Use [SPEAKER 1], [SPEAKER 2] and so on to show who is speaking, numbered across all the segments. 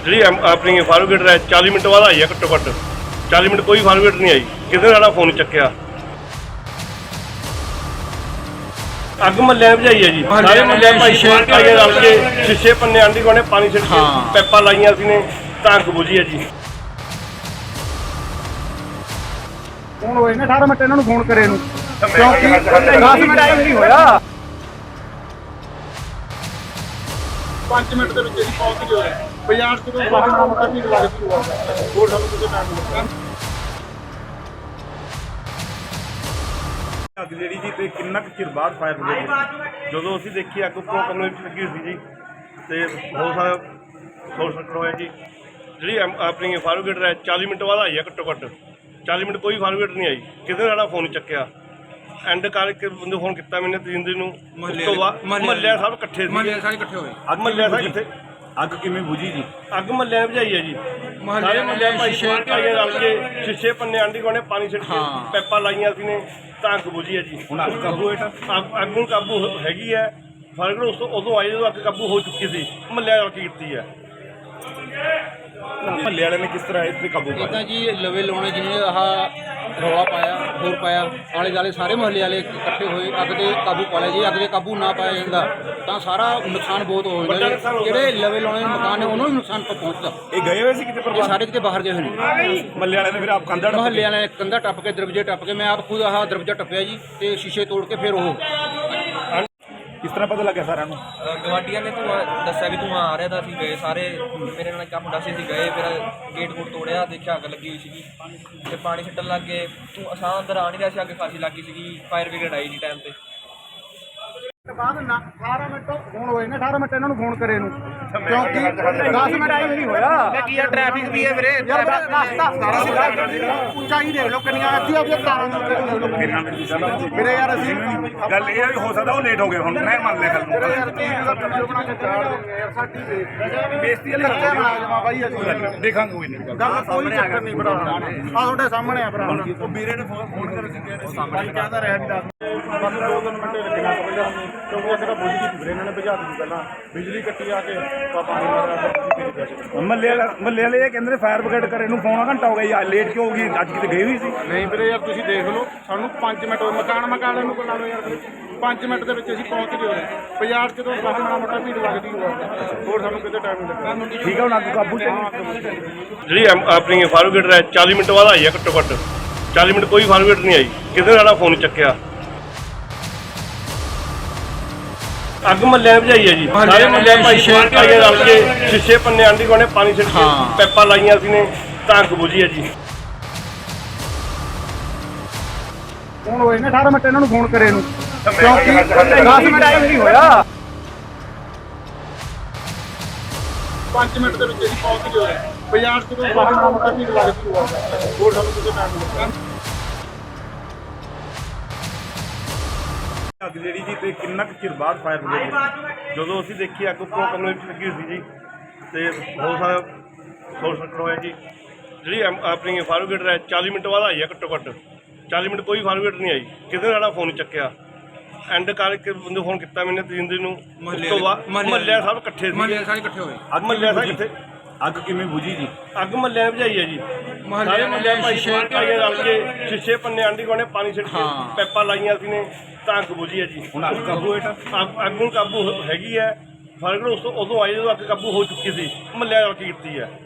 [SPEAKER 1] जी अपनी fire brigade है 40 minute बाद आई है घट्टो घट्ट 40 मिनट कोई फायर ब्रिगेड नहीं आई किसी ने फोन नहीं चक्या अग महल्ले ने बुझाई है जी सारे महल्ले भाई रल के शीशे पन्ने आंधी गुआढ़ी पानी छिड़क के पैपा लाइया सी ने तां अग बुझी है जी
[SPEAKER 2] फोन होए ने 18 मिनट इन्हां नूं फोन करे नूं क्योंकि 10 मिनट टाइम नहीं होया 5 मिनट ਦੇ ਵਿੱਚ ਅਸੀਂ ਪਹੁੰਚ ਗਏ ਬਾਜ਼ਾਰ ਤੋਂ ਬਾਹਰ ਨਾ ਮੱਕਾ ਵੀ ਲੱਗਦੀ ਹੋਰ ਸਾਨੂੰ ਕਿਤੇ ਟਾਈਮ ਨਹੀਂ ਲੱਗਦਾ
[SPEAKER 3] ਅੱਗ ਜਿਹੜੀ ਜੀ ਤੇ ਕਿੰਨਾ ਕੁ ਚਿਰ ਬਾਅਦ ਫਾਇਰ ਬ੍ਰਿਗੇਡ
[SPEAKER 1] ਜਦੋਂ ਅਸੀਂ ਦੇਖੀ ਅੱਗ ਉੱਪਰੋਂ ਕਮਰੇ ਵਿੱਚ ਲੱਗੀ ਹੋਈ ਸੀ ਜੀ ਤੇ ਬਹੁਤ ਸਾਰਾ ਸ਼ੋਰ ਸਰਕਟ ਹੋਇਆ ਜੀ ਜਿਹੜੀ ਆਪਣੀ ਫਾयर ब्रिगेड ਹੈ 40 ਮਿੰਟ ਬਾਅਦ ਆਈ ਹੈ ਘੱਟੋ ਘੱਟ 40 ਮਿੰਟ ਕੋਈ ਫਾयर ब्रिगेड ਨਹੀਂ ਆਈ ਕਿਸੇ ਨੇ ਫੋਨ ਨਹੀਂ ਚੱਕਿਆ ਐਂਡ ਕਰਕੇ ਬੰਦੇ ਫੋਨ ਕੀਤਾ ਮੈਨੇ ਤੀਨ ਨੂੰ ਉਸ ਤੋਂ ਬਾਅਦ ਮਹੱਲੇ ਸਭ ਇਕੱਠੇ ਸੀ
[SPEAKER 2] ਮਹੱਲੇ ਸਾਰੇ ਇਕੱਠੇ ਹੋਏ
[SPEAKER 1] ਮਹੱਲੇ ਸਾਰੇ ਇਕੱਠੇ
[SPEAKER 3] ਅੱਗ ਕਿਵੇਂ ਬੁਝੀ ਜੀ
[SPEAKER 1] ਅੱਗ ਮਹੱਲੇ ਨੇ ਬੁਝਾਈ ਹੈ ਜੀ ਸਾਰੇ ਮਹੱਲੇ ਭਾਈ ਰਲ ਕੇ ਸ਼ੀਸ਼ੇ ਪੰਨੇ ਆਂਢੀ ਗੁਆਂਢੀ ਪਾਣੀ ਛਿੜਕ ਕੇ ਪੈਪਾ ਲਾਈਆਂ ਸੀ ਨੇ ਤਾਂ ਅੱਗ ਬੁਝੀ ਹੈ ਜੀ
[SPEAKER 3] ਹੁਣ ਅੱਗ ਕਾਬੂ ਹੇਠ
[SPEAKER 1] ਅੱਗ ਨੂੰ ਕਾਬੂ ਹੈਗੀ ਹੈ ਫਾयर ब्रिगेड ਉਸ ਤੋਂ ਉਦੋਂ ਆਈ ਜਦੋਂ ਅੱਗ ਕਾਬੂ ਹੋ ਚੁੱਕੀ ਸੀ ਮਹੱਲੇ ਰਲ ਕੇ ਕੀਤੀ ਹੈ
[SPEAKER 3] ਮਹੱਲੇ ਵਾਲਿਆਂ ਨੇ ਕਿਸ ਤਰ੍ਹਾਂ ਇਸ ਤੇ ਕਾਬੂ
[SPEAKER 4] इदा जी लवे लाने जिन्हें आह रौला पाया होर पाया आले दुआले सारे मुहल्ले वाले इकट्ठे होए अग दे काबू पा लिया जी अग दे काबू ना पाया जाता तो सारा नुकसान बहुत हो जाता जोड़े लवे लाने मकान ने उन्होंने नुकसान पहुँचता
[SPEAKER 3] ਇਹ ਗਏ ਹੋਏ ਸੀ ਕਿਤੇ
[SPEAKER 4] ये
[SPEAKER 3] ਪਰਿਵਾਰ
[SPEAKER 4] सारे कितने बाहर गए हुए हैं
[SPEAKER 3] ਮਹੱਲੇ ਵਾਲਿਆਂ ਨੇ ਫਿਰ ਆਪ ਕੰਧਾ
[SPEAKER 4] मुहल्ले वाले कंधा टप के दरवाजे टप के मैं आप खुद आह दरवाजा टपया जी तो शीशे तोड़ के फिर वो
[SPEAKER 3] ਕਿਸ ਤਰ੍ਹਾਂ ਪਤਾ ਲੱਗਿਆ ਸਾਰਿਆਂ ਨੂੰ
[SPEAKER 5] ਗਵਾਂਢੀਆਂ ਨੇ ਧੂੰਆਂ ਦੱਸਿਆ ਵੀ ਧੂੰਆਂ ਆ ਰਿਹਾ ਤਾਂ ਅਸੀਂ ਗਏ ਸਾਰੇ ਮੇਰੇ ਨਾਲ ਕੰਮ ਮੁੰਡਾ ਸੀ ਅਸੀਂ ਗਏ ਫਿਰ ਗੇਟ ਗੂਟ ਤੋੜਿਆ ਦੇਖਿਆ ਅੱਗ ਲੱਗੀ ਹੋਈ ਸੀਗੀ ਤੇ ਪਾਣੀ ਛੱਡਣ ਲੱਗ ਗਏ ਤੂੰ ਅਸਾਂ ਅੰਦਰ ਆ ਨਹੀਂ ਰਿਹਾ ਸੀ ਅੱਗ ਖਾਸੀ ਲੱਗੀ ਸੀਗੀ ਫਾयर ब्रिगेड ਆਈ ਜੀ ਟਾਈਮ ਤੇ
[SPEAKER 2] ਬਾਅਦ 18 ਮਿੰਟ ਫੋਨ ਹੋਏ ਨੇ 18 ਮਿੰਟ ਇਹਨਾਂ ਨੂੰ ਫੋਨ ਕਰੇ ਨੂੰ ਕਿਉਂਕਿ 10 ਮਿੰਟ ਟਾਈਮ ਨਹੀਂ ਹੋਇਆ
[SPEAKER 5] ਕੀ ਆ ਟ੍ਰੈਫਿਕ ਵੀ ਹੈ ਵੀਰੇ
[SPEAKER 2] ਯਾਰ ਰਸਤਾ ਉਚਾਈ ਦੇਖ ਲਓ ਕਿੰਨੀਆਂ ਅੱਧੀਆਂ ਵੀ ਤਾਰਾਂ ਨੂੰ ਦੇਖ ਲਓ ਮੇਰੇ ਯਾਰ ਅਸੀਂ
[SPEAKER 3] ਗੱਲ ਇਹ ਵੀ ਹੋ ਸਕਦਾ ਉਹ ਲੇਟ ਹੋ ਗਏ ਹੁਣ ਮੈਂ ਮੰਨ ਲਿਆ ਗੱਲ
[SPEAKER 2] ਮੇਰੇ ਯਾਰ ਕੀ ਦਾ ਵੀਡੀਓ ਬਣਾ ਕੇ ਚਾੜ ਦਿੰਦੇ ਯਾਰ ਸਾਡੀ
[SPEAKER 3] ਬੇਇੱਜ਼ਤੀ ਵਾਲੀ
[SPEAKER 2] ਕਿੱਥੇ ਬਣਾ ਜਮਾ ਬਾਈ ਅਸੀਂ
[SPEAKER 3] ਦੇਖਾਂਗੇ ਕੋਈ ਨਹੀਂ
[SPEAKER 2] ਗੱਲ ਕੋਈ ਚੱਕਰ ਨਹੀਂ ਭਰਾ ਆ ਤੁਹਾਡੇ ਸਾਹਮਣੇ ਆ ਭਰਾ
[SPEAKER 3] ਉਹ ਵੀਰੇ ਨੇ ਫੋਨ ਕਰ ਦਿੱਤੇ
[SPEAKER 2] ਬਾਈ ਕਹਿੰਦਾ ਰਿਹਾ ਵੀ ਬਸ 2-3 ਮਿੰਟ ਲੱਗਣਾ ਪਹਿਲਾਂ ਕਿਉਂਕਿ ਅਸਰਾ ਬੁਝ ਗਈ ਵੀਰੇ ਇਹਨਾਂ ਨੇ ਭਜਾ ਦਿੱਤੀ ਪਹਿਲਾਂ ਬਿਜਲੀ ਕੱਟੀ ਆ ਕੇ ਪਾਣੀ ਮਾਰਿਆ
[SPEAKER 3] ਮਹੱਲੇ ਵਾਲੇ ਇਹ ਕਹਿੰਦੇ ਨੇ ਫਾਇਰ ਬ੍ਰਿਗੇਡ ਕਰੇ ਨੂੰ ਪੌਣਾ ਘੰਟਾ ਹੋ ਗਿਆ ਯਾਰ ਲੇਟ ਕਿਉਂ ਹੋ ਗਈ ਅੱਜ ਕਿਤੇ ਗਈ ਹੋਈ ਸੀ
[SPEAKER 2] ਨਹੀਂ ਵੀਰੇ ਯਾਰ ਤੁਸੀਂ ਦੇਖ ਲਓ ਸਾਨੂੰ 5 ਮਿੰਟ ਹੋਏ ਮਕਾਨ ਨੂੰ ਕੋਲ ਲਾ ਲਓ ਯਾਰ 5 ਮਿੰਟ ਦੇ ਵਿੱਚ ਅਸੀਂ ਪਹੁੰਚ ਗਏ ਬਾਜ਼ਾਰ ਚ ਤੋਂ ਬਾਹਰ ਮਾੜਾ ਮੋਟਾ ਭੀੜ ਲੱਗਦੀ ਹੋਰ ਸਾਨੂੰ ਕਿਤੇ ਟਾਈਮ ਨਹੀਂ ਲੱਗਦਾ
[SPEAKER 3] ਠੀਕ ਹੈ ਹੁਣ ਅੱਗ ਕਾਬੂ ਚ
[SPEAKER 1] ਜਿਹੜੀ ਆਪਣੀ ਫਾयर ब्रिगेड ਹੈ 40 ਮਿੰਟ ਬਾਅਦ ਆਈ ਹੈ ਘੱਟੋ ਘੱਟ 40 ਮਿੰਟ ਕੋਈ ਫਾयर ब्रिगेड ਨਹੀਂ ਆਈ ਕਿਸੇ ਨੇ ਫੋਨ ਨਹੀਂ ਚੱਕਿਆ ਅੱਗ ਮਹੱਲੇ ਨੇ ਬੁਝਾਈ ਹੈ ਜੀ ਸਾਰੇ ਮਹੱਲੇ ਭਾਈ ਰਲ ਕੇ ਸ਼ੀਸ਼ੇ ਪੰਨੇ ਆਂਢੀ ਗੁਆਂਢੀ ਪਾਣੀ ਛਿੜਕ ਕੇ ਪੈਪਾ ਲਾਈਆਂ ਸੀ ਨੇ ਤਾਂ ਅੱਗ ਬੁਝੀ ਹੈ ਜੀ
[SPEAKER 2] ਫੋਨ ਹੋਏ ਨੇ 18 ਮਿੰਟ ਇਹਨਾਂ ਨੂੰ ਫੋਨ ਕਰੇ ਨੂੰ ਕਿਉਂਕਿ 10 ਮਿੰਟ ਟਾਈਮ ਨਹੀਂ ਹੋਇਆ 5 ਮਿੰਟ ਦੇ ਵਿੱਚ ਅਸੀਂ ਪਹੁੰਚ ਗਏ ਬਾਜ਼ਾਰ ਤੋਂ ਬਾਹਰ ਮਾੜਾ ਮੋਟਾ ਭੀੜ ਲੱਗਦੀ ਹੋਰ ਸਾਨੂੰ ਕਿਤੇ ਟਾਈਮ ਨਹੀਂ ਲੱਗਦਾ
[SPEAKER 3] ਅੱਗ ਜਿਹੜੀ ਜੀ ਤੇ ਕਿੰਨਾ ਕੁ ਚਿਰ ਬਾਅਦ ਫਾਇਰ ਬ੍ਰਿਗੇਡ
[SPEAKER 1] ਜਦੋਂ ਅਸੀਂ ਦੇਖੀ ਅੱਗ ਉੱਪਰੋਂ ਕਮਰੇ ਵਿੱਚ ਲੱਗੀ ਹੋਈ ਸੀ ਜੀ ਤੇ ਬਹੁਤ ਸਾਰਾ ਸ਼ੋਰ ਸਰਕਟ ਹੋਇਆ ਜੀ ਜਿਹੜੀ ਆਪਣੀ ਫਾयर ब्रिगेड ਹੈ 40 ਮਿੰਟ ਬਾਅਦ ਆਈ ਹੈ ਘੱਟੋ ਘੱਟ 40 ਮਿੰਟ ਕੋਈ ਫਾयर ब्रिगेड ਨਹੀਂ ਆਈ ਕਿਸੇ ਨੇ ਫੋਨ ਨਹੀਂ ਚੱਕਿਆ ਐਂਡ ਕਰਕੇ ਬੰਦੇ ਫੋਨ ਕੀਤਾ ਮੈਨੇ ਤੀਨ ਨੂੰ ਉਸ ਤੋਂ ਬਾਅਦ ਮਹੱਲੇ ਸਭ ਇਕੱਠੇ ਸੀ
[SPEAKER 4] मुहल्ले सारे इकट्ठे होए
[SPEAKER 1] ਮਹੱਲੇ ਸਾਰੇ ਇਕੱਠੇ
[SPEAKER 3] ਅੱਗ ਕਿਵੇਂ ਬੁਝੀ ਜੀ
[SPEAKER 1] ਅੱਗ ਮਹੱਲੇ ਨੇ ਬੁਝਾਈ ਹੈ ਜੀ ਸਾਰੇ ਮਹੱਲੇ ਭਾਈ ਰਲ ਕੇ ਸ਼ੀਸ਼ੇ ਪੰਨੇ ਆਂਢੀ ਗੁਆਂਢੀ ਪਾਣੀ ਛਿੜਕ ਕੇ ਪੈਪਾ ਲਾਈਆਂ ਸੀ ਨੇ ਤਾਂ ਅੱਗ ਬੁਝੀ ਹੈ ਜੀ
[SPEAKER 3] ਹੁਣ ਅੱਗ ਕਾਬੂ ਹੇਠ
[SPEAKER 1] ਅੱਗ ਨੂੰ ਕਾਬੂ ਹੈਗੀ ਹੈ ਫਾयर ब्रिगेड ਉਸ ਤੋਂ ਉਦੋਂ ਆਈ ਜਦੋਂ ਅੱਗ ਕਾਬੂ ਹੋ ਚੁੱਕੀ ਸੀ ਮਹੱਲੇ ਰਲ ਕੇ ਕੀਤੀ ਹੈ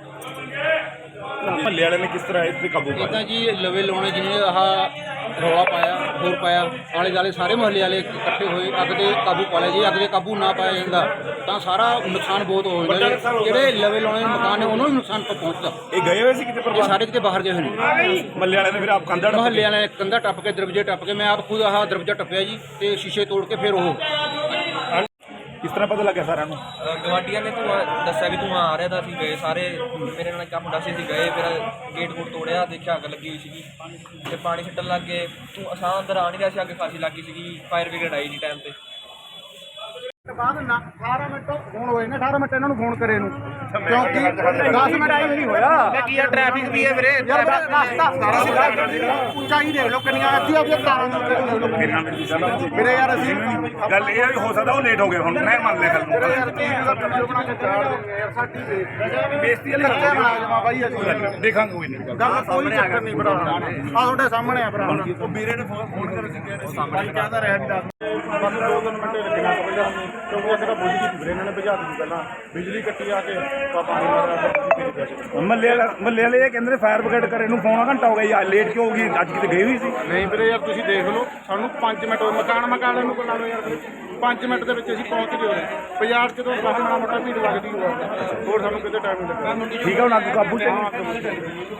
[SPEAKER 3] ਮਹੱਲੇ ਵਾਲਿਆਂ ਨੇ ਕਿਸ ਤਰ੍ਹਾਂ ਇਸ ਤੇ ਕਾਬੂ ਪਾਇਆ
[SPEAKER 4] इदा जी लवे लाने जिन्हें आह रौला पाया होर पाया आले दुआले सारे मुहल्ले वाले इकट्ठे होए अग दे काबू पा लिया जी अग दे काबू ना पाया जाता तो सारा नुकसान बहुत हो जाता जोड़े लवे लाने मकान ने उन्होंने नुकसान पहुँचता
[SPEAKER 3] ਇਹ ਗਏ ਹੋਏ ਸੀ ਕਿਤੇ
[SPEAKER 4] ये
[SPEAKER 3] ਪਰਿਵਾਰ
[SPEAKER 4] सारे कितने बाहर गए हुए हैं
[SPEAKER 3] ਮਹੱਲੇ ਵਾਲਿਆਂ ਨੇ ਫਿਰ ਆਪ ਕੰਧਾ
[SPEAKER 4] मुहल्ले वाले कंधा टप के दरवाजे टप के मैं आप खुद आह दरवाजा टपया जी तो शीशे तोड़ के फिर वो
[SPEAKER 3] ਕਿਸ ਤਰ੍ਹਾਂ ਪਤਾ ਲੱਗਿਆ ਸਾਰਿਆਂ ਨੂੰ
[SPEAKER 5] ਗਵਾਂਢੀਆਂ ਨੇ ਧੂੰਆਂ ਦੱਸਿਆ ਵੀ ਧੂੰਆਂ ਆ ਰਿਹਾ ਤਾਂ ਅਸੀਂ ਗਏ ਸਾਰੇ ਮੇਰੇ ਨਾਲ ਕੰਮ ਮੁੰਡਾ ਸੀ ਅਸੀਂ ਗਏ ਫਿਰ ਗੇਟ ਗੂਟ ਤੋੜਿਆ ਦੇਖਿਆ ਅੱਗ ਲੱਗੀ ਹੋਈ ਸੀਗੀ ਤੇ ਪਾਣੀ ਛੱਡਣ ਲੱਗ ਗਏ ਤੂੰ ਅਸਾਂ ਅੰਦਰ ਆ ਨਹੀਂ ਰਿਹਾ ਸੀ ਅੱਗ ਖਾਸੀ ਲੱਗੀ ਸੀਗੀ ਫਾयर ब्रिगेड ਆਈ ਜੀ ਟਾਈਮ ਤੇ
[SPEAKER 2] ਬਾਅਦ 18 ਮਿੰਟ ਫੋਨ ਹੋਏ ਨੇ 18 ਮਿੰਟ ਇਹਨਾਂ ਨੂੰ ਫੋਨ ਕਰੇ ਨੂੰ ਕਿਉਂਕਿ 10 ਮਿੰਟ ਟਾਈਮ ਨਹੀਂ ਹੋਇਆ
[SPEAKER 5] ਕੀ ਆ ਟ੍ਰੈਫਿਕ ਵੀ ਹੈ ਵੀਰੇ
[SPEAKER 2] ਯਾਰ ਰਸਤਾ ਉਚਾਈ ਦੇਖ ਲਓ ਕਿੰਨੀਆਂ ਅੱਧੀਆਂ ਤਾਰਾਂ ਨੂੰ ਦੇਖ ਲਓ ਵੀਰੇ ਯਾਰ ਅਸੀਂ
[SPEAKER 3] ਗੱਲ ਇਹ ਆ ਵੀ ਹੋ ਸਕਦਾ ਉਹ ਲੇਟ ਹੋ ਗਏ ਹੁਣ ਮੈਂ ਮੰਨ ਲਿਆ ਗੱਲ ਨੂੰ।
[SPEAKER 2] ਵੀਰੇ ਯਾਰ ਕੀ ਦਾ ਵੀਡੀਓ ਬਣਾ ਕੇ ਚਾੜ ਦਿੰਦੇ ਯਾਰ ਸਾਡੀ
[SPEAKER 3] ਬੇਇੱਜ਼ਤੀ ਵਾਲੀ
[SPEAKER 2] ਕੱਚਾ ਬਣਾ ਜਮਾ ਬਾਈ ਅਸੀਂ
[SPEAKER 3] ਦੇਖਾਂਗੇ ਕੋਈ ਨਹੀਂ
[SPEAKER 2] ਗੱਲ ਕੋਈ ਚੱਕਰ ਨਹੀਂ ਭਰਾ ਆ ਤੁਹਾਡੇ ਸਾਹਮਣੇ ਆ ਭਰਾ
[SPEAKER 3] ਉਹ ਵੀਰੇ ਨੇ ਫੋਨ ਕਰ ਸੀ
[SPEAKER 2] ਬਾਈ ਕਹਿੰਦਾ ਰਿਹਾ ਵੀ ਦੱਸ ਬਸ 2-3 ਮਿੰਟ ਲੱਗਣਾ ਪਵੇਗਾ ਕਿਉਂਕਿ ਅਸੀਂ ਤਾਂ ਬੁੱਝ ਗਈ ਵੀਰੇ ਇਹਨਾਂ ਨੇ ਭਜਾ ਦਿੱਤੀ ਪਹਿਲਾਂ ਬਿਜਲੀ ਕੱਟੀ ਆ ਕੇ ਪਾਣੀ ਮਾਰਿਆ
[SPEAKER 3] ਮੱਲੇ ਵਾਲੇ ਇਹ ਕਹਿੰਦੇ ਨੇ ਫਾਇਰ ਬ੍ਰਿਗੇਡ ਕਰੇ ਨੂੰ ਪੌਣਾ ਘੰਟਾ ਹੋ ਗਿਆ ਯਾਰ ਲੇਟ ਕਿਉਂ ਹੋ ਗਈ ਅੱਜ ਕਿਤੇ ਗਈ ਹੋਈ ਸੀ।
[SPEAKER 2] ਨਹੀਂ ਵੀਰੇ ਯਾਰ ਤੁਸੀਂ ਦੇਖ ਲਓ ਸਾਨੂੰ 5 ਮਿੰਟ ਹੋਏ ਮਕਾਨ ਨੂੰ ਕੋਲ ਲਓ ਯਾਰ 5 ਮਿੰਟ ਦੇ ਵਿੱਚ ਅਸੀਂ ਪਹੁੰਚ ਗਏ ਹੋਏ ਬਾਜ਼ਾਰ 'ਚ ਤੋਂ ਬਾਹਰ ਮਾੜਾ ਮੋਟਾ ਭੀੜ ਲੱਗਦੀ ਹੋਆ ਹੋਰ ਸਾਨੂੰ ਕਿਤੇ ਟਾਈਮ ਨਹੀਂ ਲੱਗਦਾ
[SPEAKER 3] ਠੀਕ ਹੈ ਹੁਣ ਅੱਗ ਕਾਬੂ ਚ